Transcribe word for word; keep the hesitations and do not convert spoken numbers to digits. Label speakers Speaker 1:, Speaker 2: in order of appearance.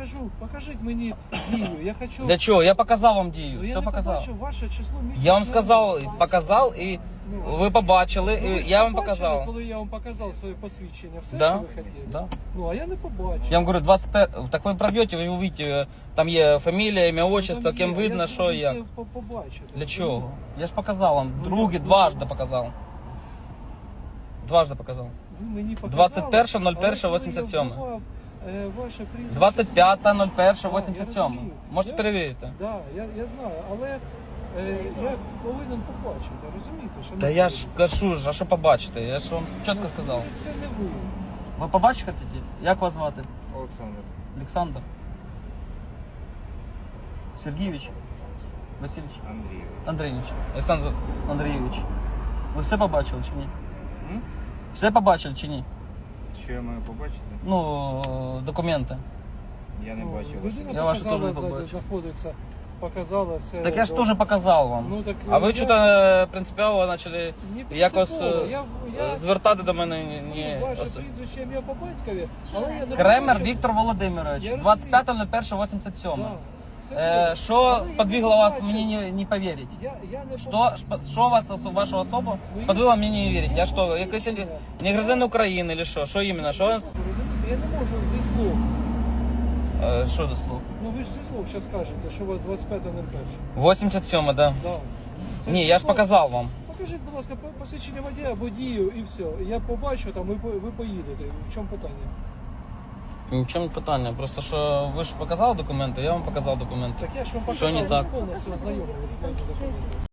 Speaker 1: кажу, покажіть мені дію. Я хочу...
Speaker 2: Для чого? Я показав вам дію.
Speaker 1: Ну, я
Speaker 2: Все
Speaker 1: не
Speaker 2: показав.
Speaker 1: побачив ваше число місяця.
Speaker 2: Я вам сказав, показав і
Speaker 1: Ну,
Speaker 2: ви побачили,
Speaker 1: ну, ви
Speaker 2: і
Speaker 1: ж
Speaker 2: я вам
Speaker 1: побачили,
Speaker 2: показав.
Speaker 1: коли я вам показав своє посвідчення, все,
Speaker 2: Да,
Speaker 1: що ви хотіли?
Speaker 2: да.
Speaker 1: Ну, а я не побачив.
Speaker 2: Я вам говорю, двадцять п'ять, так ви пройдете, ви увидите, там є фамілія, ім'я, отчество,
Speaker 1: Там
Speaker 2: ким
Speaker 1: є,
Speaker 2: видно,
Speaker 1: я
Speaker 2: що і
Speaker 1: должен
Speaker 2: як.
Speaker 1: це по- побачити.
Speaker 2: Для чого? Я ж показав вам,
Speaker 1: Ну,
Speaker 2: другі,
Speaker 1: ну,
Speaker 2: дважди показав. Дважди показав.
Speaker 1: Ви мені показали,
Speaker 2: двадцять перше ноль перше
Speaker 1: але коли
Speaker 2: вісімдесят
Speaker 1: я
Speaker 2: сьоме.
Speaker 1: вбивав, е, ваше прізвище-
Speaker 2: двадцять п'яте ноль перше
Speaker 1: Да,
Speaker 2: вісімдесят
Speaker 1: я
Speaker 2: сьоме.
Speaker 1: розумію.
Speaker 2: Можете
Speaker 1: Я-
Speaker 2: перевірити.
Speaker 1: Да, я, я знаю, але е, я повинен побачити, розумієте? Що
Speaker 2: Та
Speaker 1: не
Speaker 2: я
Speaker 1: ви.
Speaker 2: ж кажу, ж, а що побачите? Я ж вам чітко сказав.
Speaker 1: Це не ви.
Speaker 2: Ви побачите хотіте? Як вас звати?
Speaker 3: Олександр.
Speaker 2: Олександр? Сергійович? Васильович?
Speaker 3: Андрійович.
Speaker 2: Андрійович. Олександр Андрійович. Ви все побачили чи ні?
Speaker 3: М?
Speaker 2: Все побачили чи ні?
Speaker 3: Що я маю побачити?
Speaker 2: Ну, документи.
Speaker 3: Я не
Speaker 1: Ну,
Speaker 3: бачив
Speaker 1: людина
Speaker 3: ваші.
Speaker 2: Я вашу
Speaker 1: показала,
Speaker 2: теж не
Speaker 1: ззаді
Speaker 2: побачив.
Speaker 1: знаходиться, показала все.
Speaker 2: Так я ж
Speaker 1: добре.
Speaker 2: теж показав вам.
Speaker 1: Ну, так,
Speaker 2: А ви
Speaker 1: я-
Speaker 2: що-то принципіально почали
Speaker 1: Ні,
Speaker 2: якось
Speaker 1: принципово.
Speaker 2: е,
Speaker 1: Я, я,
Speaker 2: звертати до мене ні- ні.
Speaker 1: ну, ваше
Speaker 2: ос-
Speaker 1: прізвище ім'я по батькові, але я не
Speaker 2: Кремер
Speaker 1: побачив.
Speaker 2: Віктор Володимирович,
Speaker 1: Я
Speaker 2: двадцять п'яте ноль перше вісімдесят сьоме.
Speaker 1: Да, все
Speaker 2: Е,
Speaker 1: добре.
Speaker 2: Що
Speaker 1: Але я
Speaker 2: сподвигло
Speaker 1: не
Speaker 2: вас
Speaker 1: побачив.
Speaker 2: мені не, не повірити?
Speaker 1: Я, я не
Speaker 2: Що,
Speaker 1: побачив.
Speaker 2: шп- що вас, осо- вашу особу
Speaker 1: Ну,
Speaker 2: сподвигло
Speaker 1: я-
Speaker 2: мені не вірити? Я
Speaker 1: я
Speaker 2: що, якийсь
Speaker 1: посвідчення.
Speaker 2: не гражданин України чи що? Що іменно? Що,
Speaker 1: Розумієте, я не можу зі слов.
Speaker 2: е, що за слово?
Speaker 1: Ну ви ж зі слов зараз кажете, що у вас двадцять п'яте ноль перше.
Speaker 2: вісімдесят сьоме, да.
Speaker 1: Да. Це
Speaker 2: Ні,
Speaker 1: зі
Speaker 2: я ж
Speaker 1: слов.
Speaker 2: показав вам.
Speaker 1: Покажіть, будь ласка, по- посвідчення водія або дію і все. Я побачу там, і по- ви поїдете. В чому питання?
Speaker 2: В чому питання? Просто що ви ж показали документи, я вам показав документи.
Speaker 1: Так я ж вам
Speaker 2: Що
Speaker 1: показав,
Speaker 2: не так?
Speaker 1: ви повністю ознайомились з моїми документами.